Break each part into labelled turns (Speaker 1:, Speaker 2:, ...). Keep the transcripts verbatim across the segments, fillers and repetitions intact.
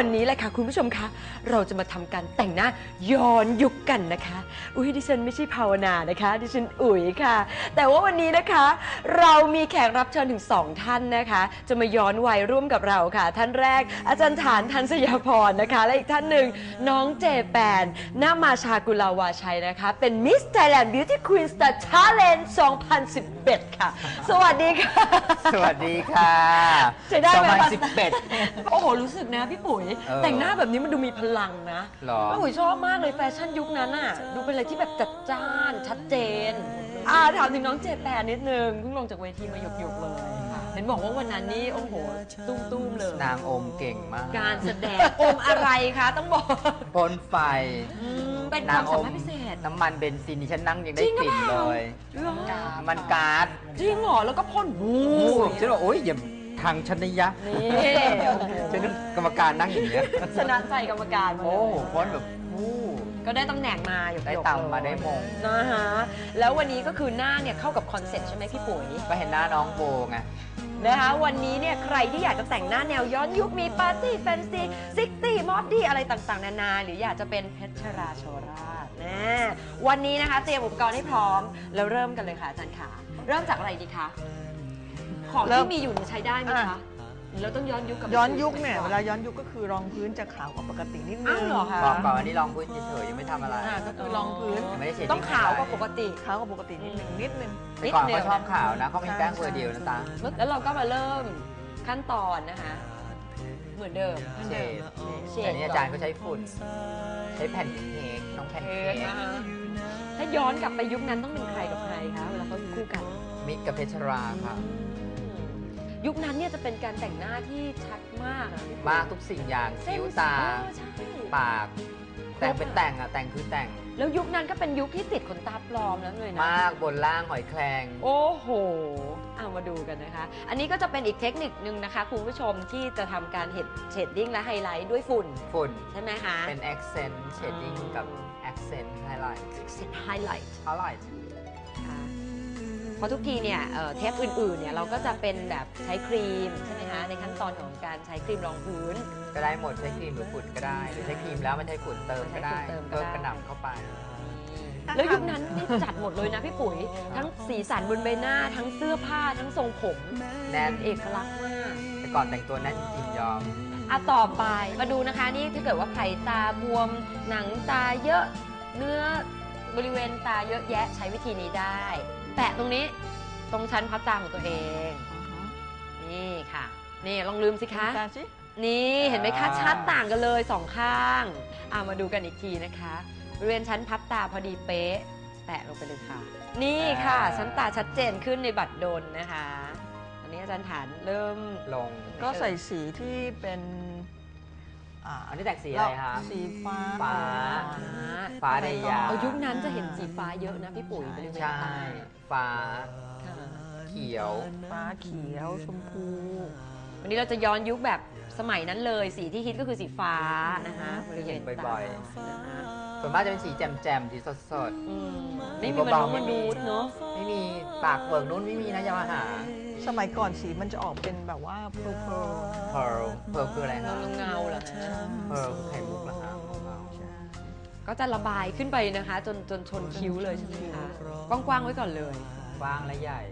Speaker 1: วันนี้แหละค่ะคุณผู้ชมคะเราจะมาทำการแต่งหน้าย้อนยุคกันนะคะอุ้ยดิฉันไม่ใช่ภาวนานะคะดิฉันอุ๋ยค่ะแต่ว่าวันนี้นะคะเรามีแขกรับเชิญถึงสองท่านนะคะจะมาย้อนวัยร่วมกับเราค่ะท่านแรกอาจารย์ฐานทันสยาพรนะคะและอีกท่านหนึ่งน้องเจแปนนามาชากุลาวาชัยนะคะเป็นมิสไทยแลนด์บิวตี้ควีนสตาร์ชาเลนจ์สองพันสิบเอ็ดค่ะสวัสดีค่ะ
Speaker 2: สวัสดีค่ะ
Speaker 1: ใช้ได้ไหม
Speaker 2: สองพันสิบเอ็ด
Speaker 1: โอ้โหรู้สึกนะพี่ปุ๋ยแต่งหน้าแบบนี้มันดูมีพลังนะ
Speaker 2: หรอ
Speaker 1: พี่ปุ๋ยชอบมากเลยแฟชั่นยุคนั้นน่ะดูเป็นอะไรที่แบบจัดจ้านชัดเจนอ่าถามถึงน้องเจแปนนิดนึงเพิ่งลงจากเวทีมาหยกๆเลยเห็นบอกว่าวันนั้นนี่โอ้โหตุ้มๆเลย
Speaker 2: นางอมเก่งมาก
Speaker 1: การแสดงอมอะไรคะต้องบอก
Speaker 2: พ่นไฟ
Speaker 1: เป็นความสามารถพิเศษ
Speaker 2: น้ำมันเบนซินที่ฉันนั่งยังได้กลิ่นเลยมันก๊าซ
Speaker 1: จริงเหรอแล้วก็พ่นบู
Speaker 2: ฉันบอกโอ๊ยอย่าทางชนยะ
Speaker 1: นี่
Speaker 2: ฉันกรรมการนั่งอย่างเงี้ย
Speaker 1: ชนะใจกรรมการ
Speaker 2: โอ้พ่นแบบ
Speaker 1: ก็ได้ตำแหน่งมาอยู่
Speaker 2: ได้ตังมาได้มง
Speaker 1: นะฮะแล้ววันนี้ก็คือหน้าเนี่ยเข้ากับคอนเซ็ปต์ใช่ไหมพี่ปุ๋ย
Speaker 2: ก็เห็นหน้าน้องโบไง
Speaker 1: นะคะวันนี้เนี่ยใครที่อยากจะแต่งหน้าแนวย้อนยุคมีปาร์ตี้แฟนซีซิกตี้มอดดี้อะไรต่างๆนานาหรืออยากจะเป็นเพชรราโชราชนะวันนี้นะคะเตรียมอุปกรณ์ให้พร้อมแล้วเริ่มกันเลยค่ะอาจารย์ขาเริ่มจากอะไรดีคะของที่มีอยู่ใช้ได้ไหมคะเราต้องย้อนยุคกับ
Speaker 3: ย้อนยุคเนี่ยเวลาย้อนยุคก็คือรองพื้นจะขาวกว่าปกตินิดนึง
Speaker 1: เหรอคะ
Speaker 2: บอกก่อนอันนี้รองพื้นเฉยๆยังไม่ทำอะไร
Speaker 3: ก็คือรองพื้น
Speaker 1: ต้องขาวกว่าปกติ
Speaker 3: ขาวกว่าปกตินิดนึงนิดนึง
Speaker 2: แต่ก่อนเขาชอบขาวนะเขามีแป้งเบอร์เดียวนะตา
Speaker 1: แล้วเราก็มาเริ่มขั้นตอนนะคะเหมือนเดิม
Speaker 2: เชดแต่นี่อาจารย์ก็ใช้ฝุ่นใช้แผ่นเค้กน้องแผ่นเค้ก
Speaker 1: ถ้าย้อนกลับไปยุคนั้นต้องเป็นใครกับใครคะเวลาเขาคู่กัน
Speaker 2: มิกกับเพชรราค่ะ
Speaker 1: ยุคนั้นเนี่ยจะเป็นการแต่งหน้าที่ชัดมาก
Speaker 2: มากทุกสิ่งอย่างคิ้วตาปากแต่งเป็นแต่งอะแต่งคือแต่ง
Speaker 1: แล้วยุคนั้นก็เป็นยุคที่ติดขนตาปลอมแล้วเลยนะ
Speaker 2: มากบนล่างหอยแครง
Speaker 1: โอ้โหเอามาดูกันนะคะอันนี้ก็จะเป็นอีกเทคนิคนึงนะคะคุณผู้ชมที่จะทำการเห็ดเชดดิ้งและไฮไลท์ด้วยฝุ่น
Speaker 2: ฝุ่น
Speaker 1: ใช่ไหมคะ
Speaker 2: เป็น accent shading กับ accent highlight
Speaker 1: accent highlight
Speaker 2: highlight
Speaker 1: เพราะทุกทีเนี่ยเทปอื่นๆเนี่ยเราก็จะเป็นแบบใช้ครีมใช่ไหมคะในขั้นตอนของการใช้ครีมรองพื้น
Speaker 2: ก็ได้หมดใช้ครีมหรือฝุ่นก็ได้หรือใช้ครีมแล้วมันใช้ฝุ่นเติมก็ได้เติมกระหน่ำเข้าไป
Speaker 1: แล้วยุคนั้นนี่จัดหมดเลยนะพี่ปุ๋ยทั้งสีสันบนใบหน้าทั้งเสื้อผ้าทั้งทรงผม
Speaker 2: แน่น
Speaker 1: เอกลักษณ์มาก
Speaker 2: แต่ก่อนแต่งตัวแน่นจริงยอม
Speaker 1: อ่ะต่อไปมาดูนะคะนี่ถ้าเกิดว่าใครตาบวมหนังตาเยอะเนื้อบริเวณตาเยอะแยะใช้วิธีนี้ได้แปะตรงนี้ตรงชั้นพับตาของตัวเองนี่ค่ะนี่ลองลืมสิคะนี่เห็นไหมคะชัดต่างกันเลยสองข้างอ่ะมาดูกันอีกทีนะคะบริเวณชั้นพับตาพอดีเป๊ะแตะลงไปเลยค่ะนี่ค่ะชั้นตาชัดเจนขึ้นในบัตรดลนะคะอันนี้อาจารย์ฐานเริ่ม
Speaker 2: ลง
Speaker 3: ก็ใส่สีที่เป็น
Speaker 2: อันนี้แต่งสีอะไรคะ
Speaker 3: สีฟ้า
Speaker 2: ฟ้าฟ้าได้ยาว
Speaker 1: ยุคนั้นจะเห็นสีฟ้าเยอะนะพี่ปุ๋ยบริเวณตา
Speaker 2: ฟ้าเขียว
Speaker 3: ฟ้าเขียวชมพู
Speaker 1: วันนี้เราจะย้อนยุคแบบสมัยนั้นเลยสีที่ฮิตก็คือสีฟ้านะคะบริเวณ
Speaker 2: บ่อยๆส่วนมากจะเป็นสีแจ่มๆสีสด
Speaker 1: ๆไม่มีมันนุ่มมันดูดเนาะ
Speaker 2: ไม่มีปากเบิกนู้นไม่มีนะยามาหา
Speaker 3: สมัยก่อนสีมันจะออกเป็นแบบว่าเพร์ล
Speaker 2: เพร์ลเพร์ลคืออะไร
Speaker 1: เงาเงาเหรอ
Speaker 2: เพร์ลคือไข่มุกเหรอคะ
Speaker 1: ก็จะระบายขึ้นไปนะคะจนจนชนคิ้วเลยใช่ไหมคะกว้างๆไว้ก่อนเลย
Speaker 2: กว้างและใหญ่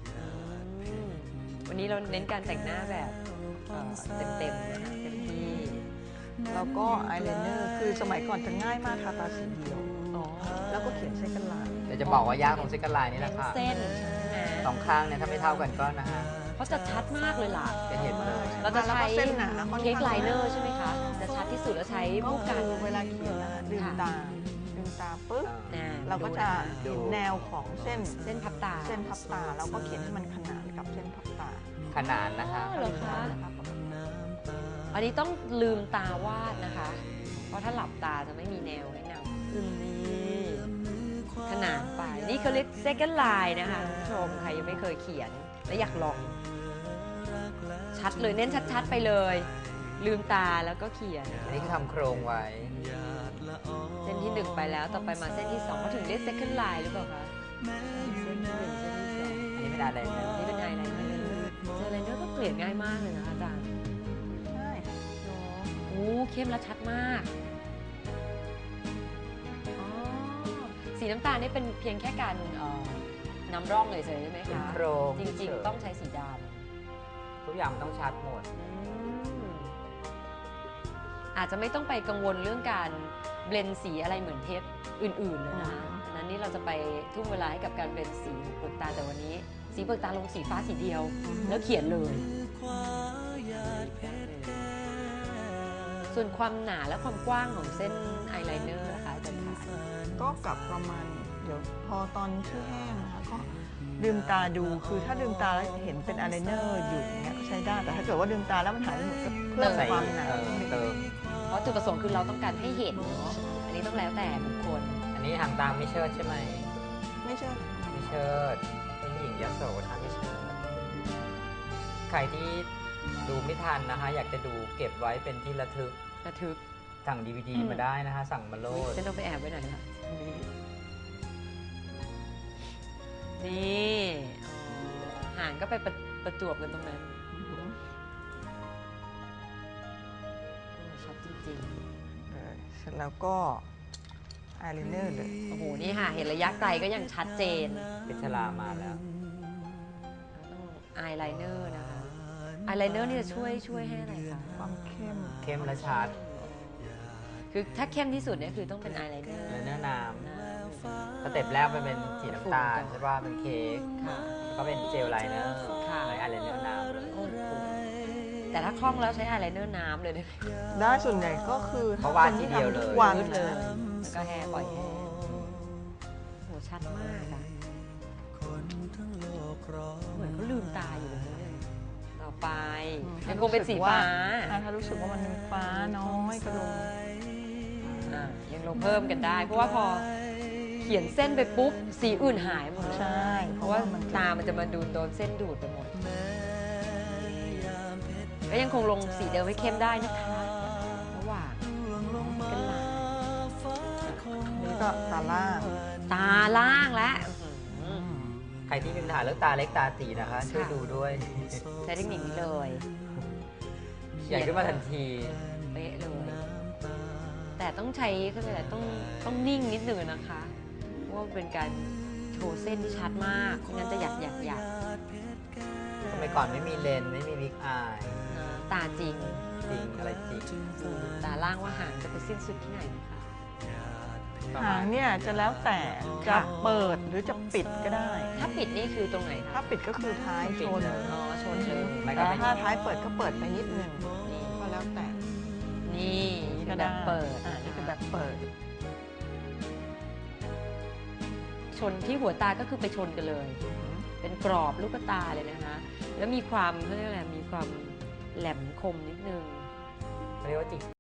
Speaker 1: วันนี้เราเน้นการแต่งหน้าแบบเต็มๆนะคะเต็มที่
Speaker 3: แล้วก็อายไลเนอร์คือสมัยก่อนจะง่ายมากทาตาสีเดียวแล้วก็เขียนเส้นกันลาย
Speaker 2: แต่จะบอกว่ายากตรงเส้นกันลายนี่แหละค่ะ
Speaker 1: เส้น
Speaker 2: สองข้างเนี่ยถ้าไม่เท่ากันก็นะฮะ
Speaker 1: เขาจะชัดมากเลยล่ะ
Speaker 2: จะเห็นเลย
Speaker 1: เราจะใช้เส้นหนาเค้กไลเนอร์ใช่ไหมคะจะชัดที่สุดแล้วใช้ผู้กัน
Speaker 3: เวลาเขียนนะคะดึงตาดึงตาปุ๊บเราก็จะเห็นแนวของเส้น
Speaker 1: เส้นพับตา
Speaker 3: เส้นพับตาแล้วก็เขียนให้มันขนานกับเส้นพับตา
Speaker 2: ขนานนะคะ
Speaker 1: เหรอคะอันนี้ต้องลืมตาวาดนะคะเพราะถ้าหลับตาจะไม่มีแนวให้นำนี่ขนานไปนี่เขาเรียก second line นะคะคุณผู้ชมใครยังไม่เคยเขียนและอยากลองชัดเลยเน้นชัดๆไปเลยลืมตาแล้วก็เขียน
Speaker 2: อันนี้คือทำโครงไว้
Speaker 1: เส้นที่หนึ่งไปแล้วต่อไปมาเส้นที่สองเขาถึงเรียก second line หรือเปล่าคะเส้นที่หนึ่งเส้นที่สอง
Speaker 2: อันนี้ไม่ได้อะไรเลย
Speaker 1: นี่เป็นไอไลเนอร์เจอไลเนอร์ก็เกลี่ยง่ายมากเลยนะอาจารย์
Speaker 3: ใช่
Speaker 1: โอ้เข้มและชัดมากอ๋อสีน้ำตาลนี่เป็นเพียงแค่การเอ่อนำร่องเลยใช่ไหม
Speaker 2: เป็น
Speaker 1: คะ
Speaker 2: โครง
Speaker 1: จริงๆต้องใช้สีด
Speaker 2: ทุกอย่างมันต้องชัดหมด
Speaker 1: ำอืมอาจจะไม่ต้องไปกังวลเรื่องการเบลนสีอะไรเหมือนเทปอื่นๆเลยนะคะ
Speaker 3: อ๋อ
Speaker 1: อันนั้นนี่เราจะไปทุ่มเวลาให้กับการเบลนสีเปลือกตาแต่วันนี้ สีเปลือกตาลงสีฟ้าสีเดียว แล้วเขียนเลย ส่วนความหนาและความกว้างของเส้นอายไลเนอร์นะคะอาจารย์คะ
Speaker 3: ก็กลับประมาณเดี๋ยวพอตอนที่แห้งนะคะก็ลืมตาดูคือถ้าลืมตาแล้วเห็นเป็นอายไลเนอร์อยู่อย่างเงี้ยก็ใช้ได้แต่ถ้าเกิดว่าลืมตาแล้วมันหายไปหมดก็เพิ่ม
Speaker 2: ใส่
Speaker 3: ความหนา
Speaker 2: เออเติม
Speaker 1: เพราะจุดประสงค์คือเราต้องการให้เห็นเนาะ อันนี้ต้องแล้วแต่บุคคล
Speaker 2: อันนี้หางตาไม่เชิดใช่ไหม
Speaker 3: ไม่ใช่
Speaker 2: ไม่เชิดเป็นหญิงยโสทาไม่เชิดใครที่ดูไม่ทันนะคะ อยากจะดูเก็บไว้เป็นที่ระทึก
Speaker 1: ระทึก
Speaker 2: สั่งดีวดี
Speaker 1: อืม
Speaker 2: มาได้นะคะ สั่งมาโหลด
Speaker 1: ฉันต้องไปแอบไว้ไหนล่ะนี่อ๋อหางก็ไปประประจวบกันตรงนั้นโอ้ชัดจริง
Speaker 3: เออเสร็จแล้วก็อายไลเนอร์เลย
Speaker 1: ๆ โอ้โห นี่ค่ะ เห็นระยะไกลก็ยังชัดเจน
Speaker 2: เป็นชลามาแล้ว
Speaker 1: ต้องอายไลเนอร์นะคะอายไลเนอร์นี่จะช่วยช่วยให้อะไรคะ
Speaker 3: ความเข้ม
Speaker 2: เข้มและชัด
Speaker 1: คือถ้าเข้มที่สุดเนี่ยคือต้องเป็นอายไลเนอร์
Speaker 2: และเนื้อน้
Speaker 1: นะ
Speaker 2: ำสเต็ปแรกไปเป็นสีน้ำตาลใช่ป่ะเป็นเค้ก
Speaker 1: ค่ะ
Speaker 2: แล้วก็เป็นเจลไลเนอร์
Speaker 1: ค่ะ
Speaker 2: เลยอะไรเนื้อน้ำเลย
Speaker 1: โอ้โหแต่ถ้าคล่องแล้วใช้อายไลเนอร์น้ำเลยได้ไหม
Speaker 3: ได้ส่วนใหญ่ก็คือ
Speaker 2: เพราะว่าทีเดียวเลย
Speaker 3: ทุกวัน
Speaker 1: มืดเลย
Speaker 3: นะ
Speaker 1: แล้วก็แห้ปล่อยแห้โหชัดมากอะเหมือนเขาลืมตาอยู่เลย ต่อไปยังคงเป็นสีฟ้า
Speaker 3: อ่ะถ้ารู้สึกว่ามันฟ้าน้อยก็ลง
Speaker 1: อ่ะยังลงเพิ่มกันได้ เพราะว่าพอเขียนเส้นไปปุ๊บ สีอื่นหายหมดเลย
Speaker 3: ใช่
Speaker 1: เพราะว่าตามันจะมาดูดโดนเส้นดูดไปหมด ก็ยังคงลงสีเดิมให้เข้มได้นะคะ ระหว่างกันหลาย
Speaker 3: นี่ก็ตาล่าง
Speaker 1: ตาล่างและ
Speaker 2: ใครที่มีปัญหาเรื่องตาเล็กตาตีนะคะ ช่วยดูด้วย
Speaker 1: ใช้เทคนิคนี้เลย
Speaker 2: ใหญ่ขึ้นมาทันที
Speaker 1: เป๊ะเลย แต่ต้องใช้ก็เลยกต้องต้องนิ่งนิดหนึ่งนะคะเพราะว่าเป็นการโชว์เส้นที่ชัดมากไม่งั้นจะหยักหยักหยัก
Speaker 2: สมัยก่อนไม่มีเลนส์ไม่มีวิกอาย
Speaker 1: นะตาจริง
Speaker 2: จริงอะไรจริง
Speaker 1: ดูตาล่างว่าหางจะไปสิ้นสุดที่ไหนนะคะ
Speaker 2: ประ
Speaker 3: หาม
Speaker 2: าง ณ
Speaker 3: เนี่ยจะแล้วแต่จะ
Speaker 1: ค่ะ
Speaker 3: เปิดหรือจะปิดก็ได้
Speaker 1: ถ้าปิดนี่คือตรงไหน
Speaker 3: ถ้า
Speaker 1: คะ
Speaker 3: ปิดก็คือท้ายชน
Speaker 1: อ๋อชนเลย
Speaker 2: ไม่ก็
Speaker 3: แต่
Speaker 2: ไม่
Speaker 3: ถ้าท้ายเปิดก็เปิดไปนิดนึง
Speaker 1: นี่
Speaker 3: ก็แล้วแต่
Speaker 1: นี่คือแบบเปิด
Speaker 3: อ่านี่คือแบบเปิด
Speaker 1: ชนที่หัวตาก็คือไปชนกันเลย เป็นกรอบลูกตาเลยนะคะ แล้วมีความเขาเรียกอะไรมีความแหลมคมนิดนึง
Speaker 2: เรียกว่าจิก